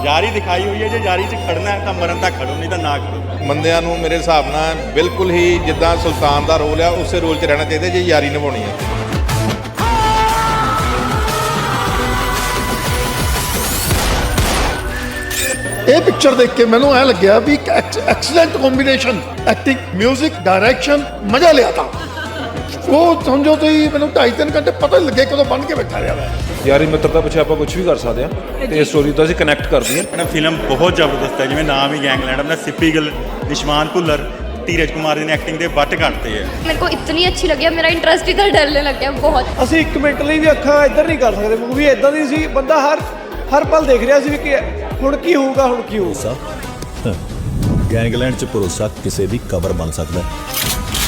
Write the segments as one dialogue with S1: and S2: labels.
S1: ਯਾਰੀ ਦਿਖਾਈ ਹੋਈ ਹੈ, ਜੇ ਯਾਰੀ 'ਚ ਖੜਨਾ ਹੈ ਤਾਂ ਮਰਨ ਤੱਕ ਖੜੋ, ਨਹੀਂ ਤਾਂ ਨਾ ਖੜੋ।
S2: ਬੰਦਿਆਂ ਨੂੰ ਮੇਰੇ ਹਿਸਾਬ ਨਾਲ ਬਿਲਕੁਲ ਹੀ ਜਿੱਦਾਂ ਸੁਲਤਾਨ ਦਾ ਰੋਲ ਆ ਉਸੇ ਰੋਲ 'ਚ ਰਹਿਣਾ ਚਾਹੀਦਾ ਜੇ ਯਾਰੀ ਨਿਭਾਉਣੀ ਹੈ।
S3: ਇਹ ਪਿਕਚਰ ਦੇਖ ਕੇ ਮੈਨੂੰ ਐ ਲੱਗਿਆ ਵੀ ਇੱਕ ਐਕਸਲੈਂਟ ਕੰਬੀਨੇਸ਼ਨ, ਐਕਟਿੰਗ, 뮤직, ਡਾਇਰੈਕਸ਼ਨ, ਮਜ਼ਾ ਲਿਆ ਤਾਂ ਉਹ ਸਮਝੋ ਤੁਸੀਂ ਮੈਨੂੰ 2.5-3 ਘੰਟੇ ਪਤਾ ਹੀ ਲੱਗੇ ਕਦੋਂ ਬਣ ਕੇ ਬੈਠਾ ਰਿਹਾ ਮੈਂ।
S4: ਯਾਰੀ ਮਿੱਤਰਤਾ ਪਿੱਛੇ ਆਪਾਂ ਕੁਝ ਵੀ ਕਰ ਸਕਦੇ ਹਾਂ ਤੇ ਇਸ ਸਟੋਰੀ ਤੋਂ ਅਸੀਂ ਕਨੈਕਟ ਕਰਦੀ ਹਾਂ।
S1: ਫਿਲਮ ਬਹੁਤ ਜ਼ਬਰਦਸਤ ਹੈ, ਜਿਵੇਂ ਨਾਮ ਹੀ ਗੈਂਗਲੈਂਡ, ਆਪਣਾ ਸਿੱਪੀ ਗਿੱਲ, ਨਿਸ਼ਮਾਨ ਭੁੱਲਰ, ਧੀਰਜ ਕੁਮਾਰ ਦੀ ਐਕਟਿੰਗ ਦੇ ਵੱਟ ਕੱਢਤੇ ਹੈ।
S5: मेरे को इतनी अच्छी लगी, मेरा इंटरेस्ट इधर डरने लग गया बहुत।
S6: ਅਸੀਂ ਇੱਕ ਮਿੰਟ ਲਈ ਵੀ ਅੱਖਾਂ ਇੱਧਰ ਨਹੀਂ ਕਰ ਸਕਦੇ। ਮੂਵੀ ਇਦਾਂ ਦੀ ਸੀ, ਬੰਦਾ ਹਰ ਪਲ ਦੇਖ ਰਿਹਾ ਸੀ ਵੀ ਕਿ ਹੁਣ ਕੀ ਹੋਊਗਾ, ਹੁਣ ਕੀ ਹੋਊਗਾ।
S7: ਗੈਂਗਲੈਂਡ 'ਚ ਭਰੋਸਾ ਕਿਸੇ ਦੀ ਕਬਰ ਬਣ ਸਕਦਾ ਹੈ।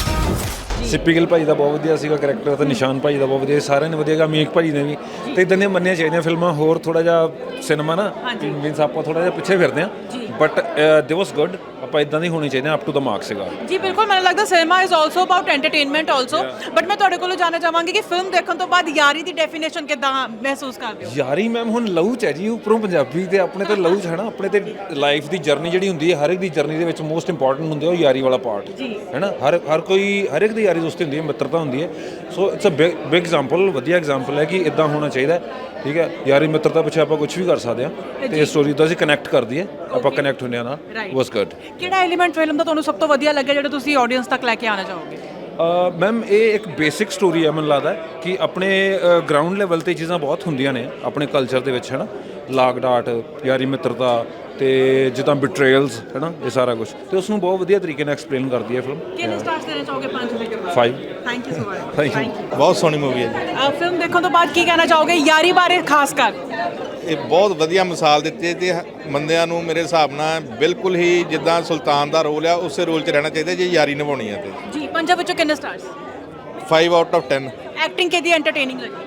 S4: ਸਿੱਪੀ ਗਿੱਲ ਭਾਈ ਦਾ ਬਹੁਤ ਵਧੀਆ ਸੀਗਾ ਕਰੈਕਟਰ ਤੇ ਨਿਸ਼ਾਨ ਭਾਈ ਦਾ ਬਹੁਤ ਵਧੀਆ, ਸਾਰਿਆਂ ਨੇ ਵਧੀਆ ਗਾ, ਅਮੀਕ ਭਾਈ ਨੇ ਵੀ। ਤੇ ਇਦਾਂ ਦੀਆਂ ਮੰਨੀਆਂ ਚਾਹੀਦੀਆਂ ਫਿਲਮਾਂ ਹੋਰ, ਥੋੜਾ ਜਿਹਾ ਸਿਨੇਮਾ ਨਾ ਮੀਨਸ ਆਪਾਂ ਥੋੜਾ ਜਿਹਾ ਪਿੱਛੇ ਫਿਰਦੇ ਹਾਂ, ਬਟ ਦੇ ਵਾਸ ਗੁੱਡ। ਆਪਾਂ ਇਦਾਂ ਦੀ ਹੋਣੀ ਚਾਹੀਦੀ, ਅਪ ਟੂ ਦਾ ਮਾਰਕ ਸੀਗਾ
S8: ਜੀ। ਬਿਲਕੁਲ, ਮੈਨੂੰ ਲੱਗਦਾ cinema is also about entertainment also. But ਮੈਂ ਤੁਹਾਡੇ ਕੋਲੋਂ ਜਾਣਨਾ ਚਾਹਾਂਗੀ ਕਿ ਫਿਲਮ ਦੇਖਣ ਤੋਂ ਬਾਅਦ ਯਾਰੀ ਦੀ ਡੈਫੀਨੇਸ਼ਨ ਕਿੱਦਾਂ ਮਹਿਸੂਸ ਕਰਦੇ ਹੋ?
S4: ਯਾਰੀ ਮੈਮ ਹੁਣ ਲਹੂ 'ਚ ਹੈ ਜੀ, ਉੱਪਰੋਂ ਪੰਜਾਬੀ ਤੇ ਆਪਣੇ ਤੇ ਲਹੂ 'ਚ ਹੈ ਨਾ। ਆਪਣੇ ਤੇ ਲਾਈਫ ਦੀ ਜਰਨੀ ਜਿਹੜੀ ਹੁੰਦੀ ਹੈ, ਹਰ ਇੱਕ ਦੀ ਜਰਨੀ ਦੇ ਵਿੱਚ ਮੋਸਟ ਇੰਪੋਰਟੈਂਟ ਹੁੰਦੀ ਹੈ ਉਹ ਯਾਰੀ ਵਾਲਾ ਪਾਰਟ, ਹੈ ਨਾ। ਹਰ ਇੱਕ ਦੀ ਯਾਰੀ ਦੋਸਤੀ ਹੁੰਦੀ ਹੈ, ਮਿੱਤਰਤਾ ਹੁੰਦੀ ਹੈ। So it's a big example, ਵਧੀਆ ਐਗਜ਼ਾਮਪਲ ਹੈ ਕਿ ਇਦਾਂ ਹੋਣਾ ਚਾਹੀਦਾ, ਠੀਕ ਹੈ। ਯਾਰੀ ਮਿੱਤਰਤਾ ਪਿੱਛੇ ਆਪਾਂ ਕੁਝ ਵੀ ਕਰ ਸਕਦੇ ਹਾਂ ਤੇ ਇਸ ਸਟੋਰੀ ਤੋਂ ਅਸੀਂ ਕਨੈਕਟ ਕਰਦੀ ਹੈ, ਆਪਾਂ ਕਨੈਕਟ ਹੁੰਦੇ ਹਾਂ ਨਾਲ। Was good.
S8: ਕਿਹੜਾ ਐਲੀਮੈਂਟ ਫਿਲਮ ਦਾ ਤੁਹਾਨੂੰ ਸਭ ਤੋਂ ਵਧੀਆ ਲੱਗਿਆ ਜਿਹੜਾ ਤੁਸੀਂ ਆਡੀਅנס ਤੱਕ ਲੈ ਕੇ ਆਉਣਾ ਚਾਹੋਗੇ?
S4: ਮੈਮ ਇਹ ਇੱਕ ਬੇਸਿਕ ਸਟੋਰੀ ਹੈ, ਮੈਨੂੰ ਲੱਗਦਾ ਕਿ ਆਪਣੇ ਗਰਾਊਂਡ ਲੈਵਲ ਤੇ ਚੀਜ਼ਾਂ ਬਹੁਤ ਹੁੰਦੀਆਂ ਨੇ ਆਪਣੇ ਕਲਚਰ ਦੇ ਵਿੱਚ, ਹੈ ਨਾ। ਲਾਗ ਡਾਟ, ਯਾਰੀ ਮਿੱਤਰਤਾ ਤੇ ਜਿੱਦਾਂ ਬਿਟਰੇਲਸ, ਹੈ ਨਾ, ਇਹ ਸਾਰਾ ਕੁਝ ਤੇ ਉਸ ਨੂੰ ਬਹੁਤ ਵਧੀਆ ਤਰੀਕੇ ਨਾਲ ਐਕਸਪਲੇਨ ਕਰਦੀ ਹੈ ਫਿਲਮ।
S8: ਕਿੰਨੇ ਸਟਾਰਸ ਦੇਣਾ ਚਾਹੋਗੇ 5 ਦੇ?
S4: 5।
S8: Thank you so much.
S4: Thank you.
S2: ਬਹੁਤ ਸੋਹਣੀ ਮੂਵੀ ਹੈ ਜੀ।
S8: ਫਿਲਮ ਦੇਖਣ ਤੋਂ ਬਾਅਦ ਕੀ ਕਹਿਣਾ ਚਾਹੋਗੇ ਯਾਰੀ ਬਾਰੇ ਖਾਸ ਕਰ?
S2: ਇਹ ਬਹੁਤ ਵਧੀਆ ਮਿਸਾਲ ਦਿੱਤੀ ਹੈ ਤੇ ਬੰਦਿਆਂ ਨੂੰ ਮੇਰੇ ਹਿਸਾਬ ਨਾਲ ਬਿਲਕੁਲ ਹੀ ਜਿੱਦਾਂ ਸੁਲਤਾਨ ਦਾ ਰੋਲ ਆ ਉਸੇ ਰੋਲ 'ਚ ਰਹਿਣਾ ਚਾਹੀਦਾ ਜੇ ਯਾਰੀ ਨਿਭਾਉਣੀ ਹੈ ਤੇ।
S8: ਜੀ, 5 ਵਿੱਚੋਂ ਕਿੰਨੇ ਸਟਾਰਸ?
S2: 5 out of 10।
S8: ਐਕਟਿੰਗ ਕਿਹਦੀ ਐਂਟਰਟੇਨਿੰਗ ਲੱਗੀ?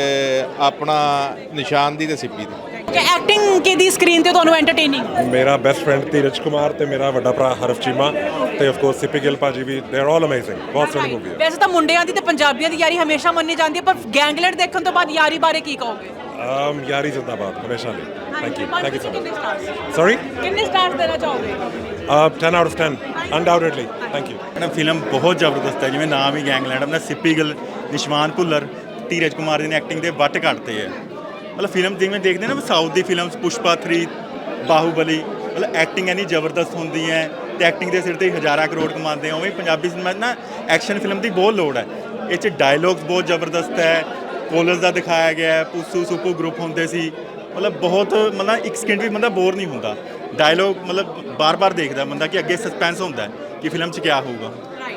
S2: ਆਪਣਾ ਨਿਸ਼ਾਨ ਦੀ ਤੇ ਸਿੱਪੀ ਦੀ।
S8: ਕਿ ਐਕਟਿੰਗ ਕਿਹਦੀ ਸਕਰੀਨ ਤੇ ਤੁਹਾਨੂੰ ਐਂਟਰਟੇਨਿੰਗ?
S9: ਮੇਰਾ ਬੈਸਟ ਫਰੈਂਡ ਧੀਰਜ ਕੁਮਾਰ ਤੇ ਮੇਰਾ ਵੱਡਾ ਭਰਾ ਹਰਫ ਚੀਮਾ ਤੇ ਆਫ ਕੋਰਸ ਸਿੱਪੀ ਗਿੱਲ ਭਾਜੀ ਵੀ, ਦੇ ਆਰ ਆਲ ਅਮੇਜ਼ਿੰਗ। ਬਹੁਤ ਸੋਹਣੀ ਮੂਵੀ ਹੈ।
S8: ਵੈਸੇ ਤਾਂ ਮੁੰਡਿਆਂ ਦੀ ਤੇ ਪੰਜਾਬੀਆਂ ਦੀ ਯਾਰੀ ਹਮੇਸ਼ਾ ਮੰਨੀ ਜਾਂਦੀ ਹੈ, ਪਰ ਗੈਂਗਲੈਂਡ ਦੇਖਣ ਤੋਂ ਬਾਅਦ ਯਾਰੀ ਬਾਰੇ ਕੀ ਕਹੋਗੇ?
S9: ਯਾਰੀ ਜ਼ਿੰਦਾਬਾਦ ਹਮੇਸ਼ਾ ਲਈ। ਥੈਂਕ ਯੂ ਸੋ
S8: ਕਿੰਨੇ
S9: ਮਚ।
S8: ਸਟਾਰਸ?
S9: ਸੌਰੀ,
S8: ਕਿੰਨੇ ਸਟਾਰਸ ਦੇਣਾ ਚਾਹੋਗੇ?
S9: 10 out of 10 undoubtedly. Thank you.
S1: Film ਬਹੁਤ ਜ਼ਬਰਦਸਤ ਹੈ, ਜਿਵੇਂ ਨਾਮ ਹੀ ਗੈਂਗਲੈਂਡ, ਆਪਣਾ ਸਿੱਪੀ ਗਿੱਲ, ਨਿਸ਼ਮਾਨ ਭੁੱਲਰ, ਧੀਰਜ ਕੁਮਾਰ ਦੀ ਐਕਟਿੰਗ ਦੇ ਵੱਟ ਕੱਢਤੇ ਹੈ। ਮਤਲਬ ਫਿਲਮ ਜਿਵੇਂ ਦੇਖਦੇ ਨਾ ਸਾਊਥ ਦੀ ਫਿਲਮਸ, ਪੁਸ਼ਪਾ 3, ਬਾਹੂਬਲੀ, ਮਤਲਬ ਐਕਟਿੰਗ ਇੰਨੀ ਜ਼ਬਰਦਸਤ ਹੁੰਦੀ ਹੈ ਤੇ ਐਕਟਿੰਗ ਦੇ ਸਿਰ ਤੇ ਹਜ਼ਾਰਾਂ ਕਰੋੜ ਕਮਾਉਂਦੇ ਆ। ਉਵੇਂ ਪੰਜਾਬੀ ਸਿਨੇਮਾ ਨਾ ਐਕਸ਼ਨ ਫਿਲਮ ਦੀ ਬਹੁਤ ਲੋੜ ਹੈ। ਇਹ 'ਚ ਡਾਇਲੋਗਸ ਬਹੁਤ ਜ਼ਬਰਦਸਤ ਹੈ, ਕੋਲਜ ਦਾ ਦਿਖਾਇਆ ਗਿਆ ਹੈ, ਪੁੱਸੂ ਸੁਪੂ ਗਰੁੱਪ ਹੁੰਦੇ ਸੀ। ਮਤਲਬ ਬਹੁਤ, ਮਤਲਬ ਇੱਕ ਸਕਿੰਟ ਵੀ ਬੰਦਾ ਬੋਰ ਨਹੀਂ ਹੁੰਦਾ। ਡਾਇਲੋਗ ਮਤਲਬ ਬਾਰ-ਬਾਰ ਦੇਖਦਾ ਬੰਦਾ ਕਿ ਅੱਗੇ ਸਸਪੈਂਸ ਹੁੰਦਾ ਕਿ ਫਿਲਮ 'ਚ ਕਿਆ ਹੋਊਗਾ।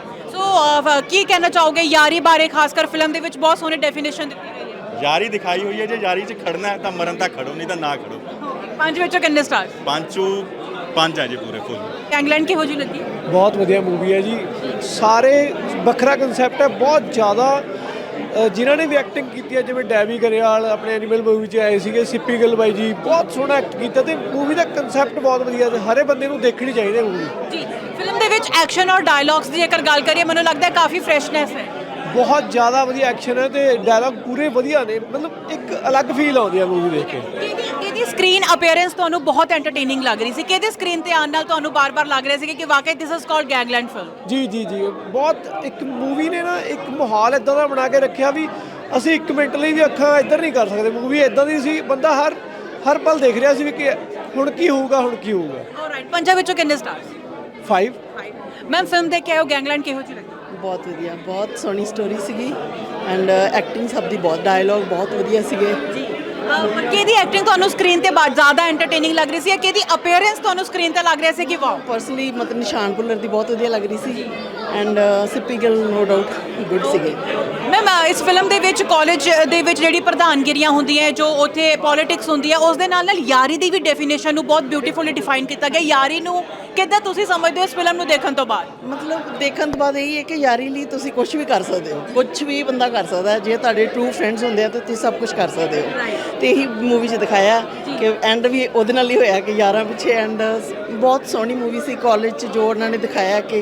S8: ਸੋ ਕੀ ਕਹਿਣਾ ਚਾਹੋਗੇ ਯਾਰੀ ਬਾਰੇ? ਖਾਸ ਕਰ ਫਿਲਮ ਦੇ ਵਿੱਚ ਬਹੁਤ ਸੋਹਣੀ ਡੈਫੀਨੇਸ਼ਨ ਦਿੱਤੀ ਗਈ ਹੈ।
S1: ਯਾਰੀ ਦਿਖਾਈ ਹੋਈ ਹੈ, ਜੇ ਯਾਰੀ 'ਚ ਖੜਨਾ ਹੈ ਤਾਂ ਮਰਨ ਤੱਕ ਖੜੋ, ਨਹੀਂ ਤਾਂ ਨਾ ਖੜੋ।
S8: 5 ਵਿੱਚੋਂ ਕਿੰਨੇ ਸਟਾਰਸ?
S1: 5 ਹੈ ਜੀ ਪੂਰੇ ਫੁੱਲ।
S8: ਇੰਗਲੈਂਡ ਕਿਹੋ ਜਿਹੀ ਲੱਗੀ?
S6: ਬਹੁਤ ਵਧੀਆ ਮੂਵੀ ਹੈ ਜੀ। ਸਾਰੇ ਵੱਖਰਾ ਕਨਸੈਪਟ ਹੈ, ਬਹੁਤ ਜ਼ਿਆਦਾ। ਜਿਨ੍ਹਾਂ ਨੇ ਵੀ ਐਕਟਿੰਗ ਕੀਤੀ ਹੈ, ਜਿਵੇਂ ਡੈਵੀ ਗਰੇਵਾਲ ਆਪਣੇ ਐਨੀਮਲ ਮੂਵੀ 'ਚ ਆਏ ਸੀਗੇ, ਸਿੱਪੀ ਗਿੱਲ ਬਾਈ ਜੀ ਬਹੁਤ ਸੋਹਣਾ ਐਕਟ ਕੀਤਾ ਤੇ ਮੂਵੀ ਦਾ ਕਨਸੈਪਟ ਬਹੁਤ ਵਧੀਆ ਤੇ ਹਰੇ ਬੰਦੇ ਨੂੰ ਦੇਖਣੀ ਚਾਹੀਦੀ ਹੈ ਮੂਵੀ।
S8: ਜੀ, ਫਿਲਮ ਦੇ ਵਿੱਚ ਐਕਸ਼ਨ ਔਰ ਡਾਇਲੌਗਸ ਦੀ ਜੇਕਰ ਗੱਲ ਕਰੀਏ, ਮੈਨੂੰ ਲੱਗਦਾ ਹੈ ਕਾਫੀ ਫਰੈਸ਼ਨੈਸ ਹੈ।
S6: ਬਹੁਤ ਜ਼ਿਆਦਾ ਵਧੀਆ ਐਕਸ਼ਨ ਹੈ ਤੇ ਡਾਇਲੌਗ ਪੂਰੇ ਵਧੀਆ ਨੇ। ਮਤਲਬ ਇੱਕ ਅਲੱਗ ਫੀਲ ਆਉਂਦੀ ਹੈ ਮੂਵੀ ਦੇਖ ਕੇ।
S8: ਕਿਹਦੀ ਸਕਰੀਨ ਅਪੀਅਰੈਂਸ ਤੁਹਾਨੂੰ ਬਹੁਤ ਐਂਟਰਟੇਨਿੰਗ ਲੱਗ ਰਹੀ ਸੀ? ਕਿਹਦੇ ਸਕਰੀਨ ਤੇ ਆਉਣ ਨਾਲ ਤੁਹਾਨੂੰ ਬਾਰ-ਬਾਰ ਲੱਗ ਰਿਹਾ ਸੀ ਕਿ ਵਾਕਈ this is called Gangland film?
S6: ਜੀ ਜੀ ਜੀ, ਬਹੁਤ ਇੱਕ ਮੂਵੀ ਨੇ ਨਾ ਇੱਕ ਮਾਹੌਲ ਇਦਾਂ ਦਾ ਬਣਾ ਕੇ ਰੱਖਿਆ ਵੀ ਅਸੀਂ ਇੱਕ ਮਿੰਟ ਲਈ ਵੀ ਅੱਖਾਂ ਇੱਧਰ ਨਹੀਂ ਕਰ ਸਕਦੇ। ਮੂਵੀ ਇਦਾਂ ਦੀ ਸੀ, ਬੰਦਾ ਹਰ ਪਲ ਦੇਖ ਰਿਹਾ ਸੀ ਵੀ ਕਿ ਹੁਣ ਕੀ ਹੋਊਗਾ, ਹੁਣ ਕੀ ਹੋਊਗਾ।
S8: ਆਲਰਾਈਟ, 5 ਵਿੱਚੋਂ ਕਿੰਨੇ ਸਟਾਰਸ?
S6: 5।
S8: ਮੈਮ ਫਿਲਮ ਦੇਖ ਕੇ ਆਇਓ, ਗੈਂਗਲੈਂਡ ਕਿਹੋ ਜਿਹੀ ਲੱਗੀ?
S10: ਬਹੁਤ ਵਧੀਆ, ਬਹੁਤ ਸੋਹਣੀ ਸਟੋਰੀ ਸੀਗੀ ਐਂਡ ਐਕਟਿੰਗ ਸਭ ਦੀ ਬਹੁਤ, ਡਾਇਲੌਗ ਬਹੁਤ ਵਧੀਆ ਸੀਗੇ
S8: ਜੀ। ਕਿਹਦੀ ਐਕਟਿੰਗ ਤੁਹਾਨੂੰ ਸਕਰੀਨ ਤੇ ਜ਼ਿਆਦਾ ਐਂਟਰਟੇਨਿੰਗ ਲੱਗ ਰਹੀ ਸੀ, ਜਾਂ ਕਿਹਦੀ ਅਪੀਅਰੈਂਸ ਤੁਹਾਨੂੰ ਸਕਰੀਨ ਤੇ ਲੱਗ ਰਿਹਾ ਸੀ ਕਿ ਵਾਓ?
S10: ਪਰਸਨਲੀ ਮਤਲਬ ਨਿਸ਼ਾਨ ਭੁੱਲਰ ਦੀ ਬਹੁਤ ਵਧੀਆ ਲੱਗ ਰਹੀ ਸੀ and Sippy Gill no doubt good ਸੀਗੇ।
S8: ਮੈਮ ਇਸ ਫਿਲਮ ਦੇ ਵਿੱਚ ਕਾਲਜ ਦੇ ਵਿੱਚ ਜਿਹੜੀ ਪ੍ਰਧਾਨਗਿਰੀਆਂ ਹੁੰਦੀਆਂ, ਜੋ ਉੱਥੇ ਪੋਲਿਟਿਕਸ ਹੁੰਦੀ ਹੈ, ਉਸ ਦੇ ਨਾਲ ਯਾਰੀ ਦੀ ਵੀ ਡੈਫੀਨੇਸ਼ਨ ਨੂੰ ਬਹੁਤ ਬਿਊਟੀਫੁਲੀ ਡਿਫਾਈਨ ਕੀਤਾ ਗਿਆ। ਯਾਰੀ ਨੂੰ ਕਿੱਦਾਂ ਤੁਸੀਂ ਸਮਝਦੇ ਹੋ ਇਸ ਫਿਲਮ ਨੂੰ ਦੇਖਣ ਤੋਂ ਬਾਅਦ?
S10: ਮਤਲਬ ਦੇਖਣ ਤੋਂ ਬਾਅਦ ਇਹ ਹੈ ਕਿ ਯਾਰੀ ਲਈ ਤੁਸੀਂ ਕੁਝ ਵੀ ਕਰ ਸਕਦੇ ਹੋ, ਕੁਝ ਵੀ ਬੰਦਾ ਕਰ ਸਕਦਾ ਹੈ। ਜੇ ਤੁਹਾਡੇ ਟਰੂ ਫਰੈਂਡਸ ਹੁੰਦੇ ਆ ਤਾਂ ਤੁਸੀਂ ਸਭ ਕੁਝ ਕਰ ਸਕਦੇ ਹੋ। ਤੇ ਇਹੀ ਮੂਵੀ 'ਚ ਦਿਖਾਇਆ ਕਿ ਐਂਡ ਵੀ ਉਹਦੇ ਨਾਲ ਹੀ ਹੋਇਆ ਕਿ ਯਾਰਾਂ ਪਿੱਛੇ। ਐਂਡ ਬਹੁਤ ਸੋਹਣੀ ਮੂਵੀ ਸੀ। ਕਾਲਜ 'ਚ ਜੋ ਉਹਨਾਂ ਨੇ ਦਿਖਾਇਆ ਕਿ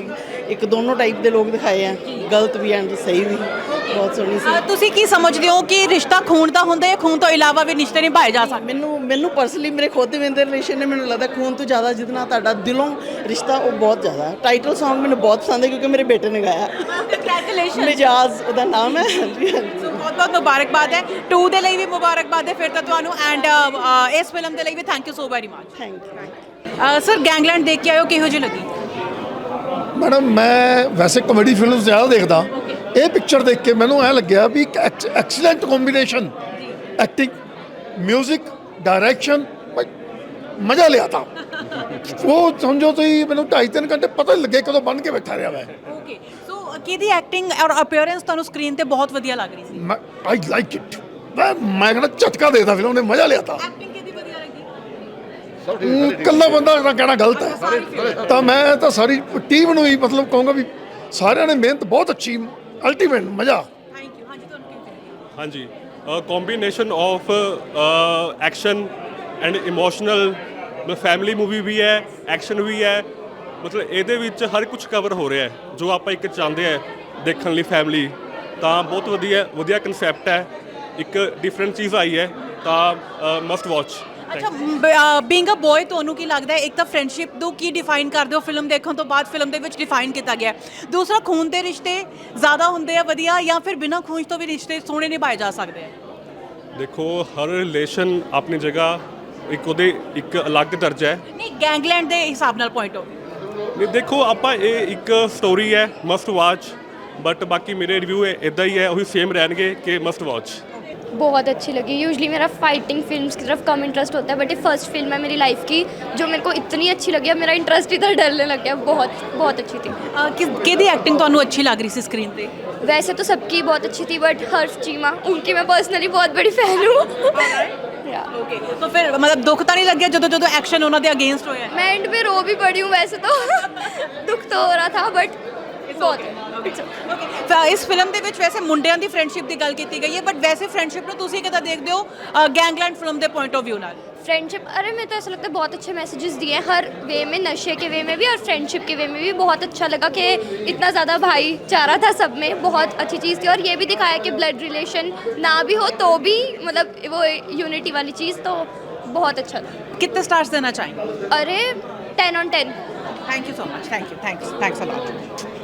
S10: ਇੱਕ ਦੋਨੋਂ ਟਾਈਪ ਦੇ ਲੋਕ ਦਿਖਾਏ ਆ, ਗਲਤ ਵੀ ਐਂਡ ਸਹੀ ਵੀ, ਬਹੁਤ ਸੋਹਣੀ ਸੀ।
S8: ਤੁਸੀਂ ਕੀ ਸਮਝਦੇ ਹੋ ਕਿ ਰਿਸ਼ਤਾ ਖੂਨ ਦਾ ਹੁੰਦਾ ਹੈ, ਖੂਨ ਤੋਂ ਇਲਾਵਾ ਵੀ ਰਿਸ਼ਤੇ ਨਿਭਾਏ ਜਾ ਸਕਦੇ?
S10: ਮੈਨੂੰ ਪਰਸਨਲੀ ਮੇਰੇ ਖੁਦ ਦੇ ਰਿਲੇਸ਼ਨ ਨੇ, ਮੈਨੂੰ ਲੱਗਦਾ ਖੂਨ ਤੋਂ ਜ਼ਿਆਦਾ ਜਿਹਦੇ ਨਾਲ ਤੁਹਾਡਾ ਦਿਲੋਂ ਰਿਸ਼ਤਾ ਉਹ ਬਹੁਤ ਜ਼ਿਆਦਾ। ਟਾਈਟਲ Song ਮੈਨੂੰ ਬਹੁਤ ਪਸੰਦ ਹੈ ਕਿਉਂਕਿ ਮੇਰੇ ਬੇਟੇ ਨੇ ਗਾਇਆ।
S8: ਕੰਗ੍ਰੈਚੁਲੇਸ਼ਨ।
S10: ਮਿਜਾਜ਼ ਉਹਦਾ ਨਾਮ ਹੈ। ਹਾਂਜੀ ਹਾਂਜੀ,
S8: ਬਹੁਤ ਬਹੁਤ ਮੁਬਾਰਕਬਾਦ ਹੈ। 2 ਦੇ ਲਈ ਵੀ ਮੁਬਾਰਕਬਾਦ ਹੈ ਫਿਰ ਤਾਂ ਤੁਹਾਨੂੰ, ਐਂਡ ਇਸ ਫਿਲਮ ਦੇ ਲਈ ਵੀ thank you so very much.
S10: Thank you.
S8: Sir Gangland ਦੇਖ ਕੇ ਆਇਓ, ਕਿਹੋ ਜਿਹੀ ਲੱਗੀ?
S3: ਮੈਡਮ ਮੈਂ ਵੈਸੇ ਕਮੇਡੀ ਫਿਲਮ ਜ਼ਿਆਦਾ ਦੇਖਦਾ, ਇਹ ਪਿਕਚਰ ਦੇਖ ਕੇ ਮੈਨੂੰ ਐ ਲੱਗਿਆ ਵੀ ਇੱਕ excellent combination, acting, music, direction, ਮਜ਼ਾ ਲਿਆ ਤਾ। ਉਹ ਸਮਝੋ ਤੁਸੀਂ ਮੈਨੂੰ 2.5-3 ਘੰਟੇ ਪਤਾ ਨਹੀਂ ਲੱਗੇ ਕਦੋਂ ਬਣ ਕੇ ਬੈਠਾ ਰਿਹਾ ਮੈਂ।
S8: ਓਕੇ, ਸੋ ਕਿਹਦੀ ਐਕਟਿੰਗ ਔਰ ਅਪੀਅਰੈਂਸ ਤੁਹਾਨੂੰ ਸਕਰੀਨ ਤੇ ਬਹੁਤ ਵਧੀਆ ਲੱਗ ਰਹੀ ਸੀ?
S3: I like it. ਮੈਂ ਕਹਿੰਦਾ ਝਟਕਾ ਦੇਤਾ ਫਿਲਮ ਨੇ, ਮਜ਼ਾ ਲਿਆ ਤਾ।
S8: ਐਕਟਿੰਗ ਕਿਹਦੀ ਵਧੀਆ ਲੱਗੀ?
S3: ਇਕੱਲਾ ਬੰਦਾ ਦਾ ਕਹਿਣਾ ਗਲਤ ਹੈ, ਤਾਂ ਮੈਂ ਤਾਂ ਸਾਰੀ ਟੀਮ ਨੂੰ ਹੀ ਮਤਲਬ ਕਹੂੰਗਾ ਵੀ ਸਾਰਿਆਂ ਨੇ ਮਿਹਨਤ ਬਹੁਤ ਅੱਛੀ, ਅਲਟੀਮੇਟ ਮਜ਼ਾ।
S8: Thank you. ਹਾਂਜੀ, ਤੁਹਾਨੂੰ ਕਿਹੋ ਜਿਹੀ ਲੱਗੀ?
S9: ਹਾਂਜੀ, combination of action and emotional, ਮਤਲਬ ਫੈਮਿਲੀ ਮੂਵੀ ਵੀ ਹੈ, ਐਕਸ਼ਨ ਵੀ ਹੈ, ਮਤਲਬ ਇਹਦੇ ਵਿੱਚ ਹਰ ਕੁਝ ਕਵਰ ਹੋ ਰਿਹਾ ਹੈ ਜੋ ਆਪਾਂ ਇੱਕ ਚਾਹੁੰਦੇ ਆ ਦੇਖਣ ਲਈ ਫੈਮਿਲੀ। ਤਾਂ ਬਹੁਤ ਵਧੀਆ ਕਨਸੈਪਟ ਹੈ, ਇੱਕ ਡਿਫਰੈਂਟ ਚੀਜ਼ ਆਈ ਹੈ, ਤਾਂ ਮਸਟ ਵਾਚ।
S8: ਅੱਛਾ, ਬੀਇੰਗ ਅ ਬॉय ਤੁਹਾਨੂੰ ਕੀ ਲੱਗਦਾ ਹੈ, ਇੱਕ ਤਾਂ ਫਰੈਂਡਸ਼ਿਪ ਨੂੰ ਕੀ ਡਿਫਾਈਨ ਕਰਦੇ ਹੋ ਫਿਲਮ ਦੇਖਣ ਤੋਂ ਬਾਅਦ? ਫਿਲਮ ਦੇ ਵਿੱਚ ਡਿਫਾਈਨ ਕੀਤਾ ਗਿਆ। ਦੂਸਰਾ, ਖੂਨ ਦੇ ਰਿਸ਼ਤੇ ਜ਼ਿਆਦਾ ਹੁੰਦੇ ਆ ਵਧੀਆ, ਜਾਂ ਫਿਰ ਬਿਨਾਂ ਖੂਨ ਤੋਂ ਵੀ ਰਿਸ਼ਤੇ ਸੋਹਣੇ ਨਿਭਾਏ ਜਾ ਸਕਦੇ ਆ?
S9: ਦੇਖੋ, ਹਰ ਰਿਲੇਸ਼ਨ ਆਪਣੀ ਜਗ੍ਹਾ ਉਹਦੇ ਇੱਕ ਅਲੱਗ ਦਰਜਾ ਹੈ।
S8: ਨਹੀਂ, ਗੈਂਗਲੈਂਡ ਦੇ ਹਿਸਾਬ ਨਾਲ ਪੁਆਇੰਟ ਆਫ
S9: ਨਹੀਂ, ਦੇਖੋ ਆਪਾਂ ਇਹ ਇੱਕ ਸਟੋਰੀ ਹੈ, ਮਸਟ ਵਾਚ, ਬਟ ਬਾਕੀ ਮੇਰੇ ਰਿਵਿਊ ਇਦਾਂ ਹੀ ਹੈ, ਉਹੀ ਸੇਮ ਰਹਿਣਗੇ ਕਿ ਮਸਟ ਵਾਚ।
S5: बहुत अच्छी लगी। यूजली मेरा फाइटिंग फिल्म्स की तरफ कम इंटरेस्ट होता है, बट ये फर्स्ट फिल्म है मेरी लाइफ की जो मेरे को इतनी अच्छी लगी, अब मेरा इंटरेस्ट इधर डरने लग गया। बहुत बहुत अच्छी थी।
S8: किहदी एक्टिंग ਤੁਹਾਨੂੰ अच्छी लग रही थी स्क्रीन पे?
S5: वैसे तो सबकी बहुत अच्छी थी, बट हर्ष चीमा उनकी मैं पर्सनली बहुत बड़ी फैन हूँ।
S8: ओके, तो फिर मतलब दुख तो नहीं लग गया जो एक्शन उन्होंने अगेंस्ट होया?
S5: मैं एंड में रो भी पड़ी हूँ वैसे तो दुख तो हो रहा था, बट
S8: ਇਸ ਫਿਲਮ ਦੇ ਵਿੱਚ ਵੈਸੇ ਮੁੰਡਿਆਂ ਦੀ ਫਰੈਂਡਸ਼ਿਪ ਦੀ ਗੱਲ ਕੀਤੀ ਗਈ ਹੈ, ਬਟ ਵੈਸੇ ਫਰੈਂਡਸ਼ਿਪ ਨੂੰ ਤੁਸੀਂ ਕਿੱਦਾਂ ਦੇਖਦੇ ਹੋ ਗੈਂਗਲੈਂਡ ਫਿਲਮ ਦੇ ਪੁਆइंट ऑफ व्यू ਨਾਲ?
S5: फ्रेंडशिप, अरे मैं तो ऐसा लगता है बहुत अच्छे मैसेजेस दिए हैं हर वे में, नशे के वे में भी और फ्रेंडशिप के वे में भी। बहुत अच्छा लगा कि इतना ज़्यादा भाईचारा था सब में, बहुत अच्छी चीज़ थी। और ये भी दिखाया कि ब्लड रिलेशन ना भी हो तो भी मतलब वो यूनिटी वाली चीज़, तो बहुत अच्छा था।
S8: कितने स्टार्स देना चाहेंगे?
S5: अरे 10 on 10।
S8: Thank you so much. Thanks a lot.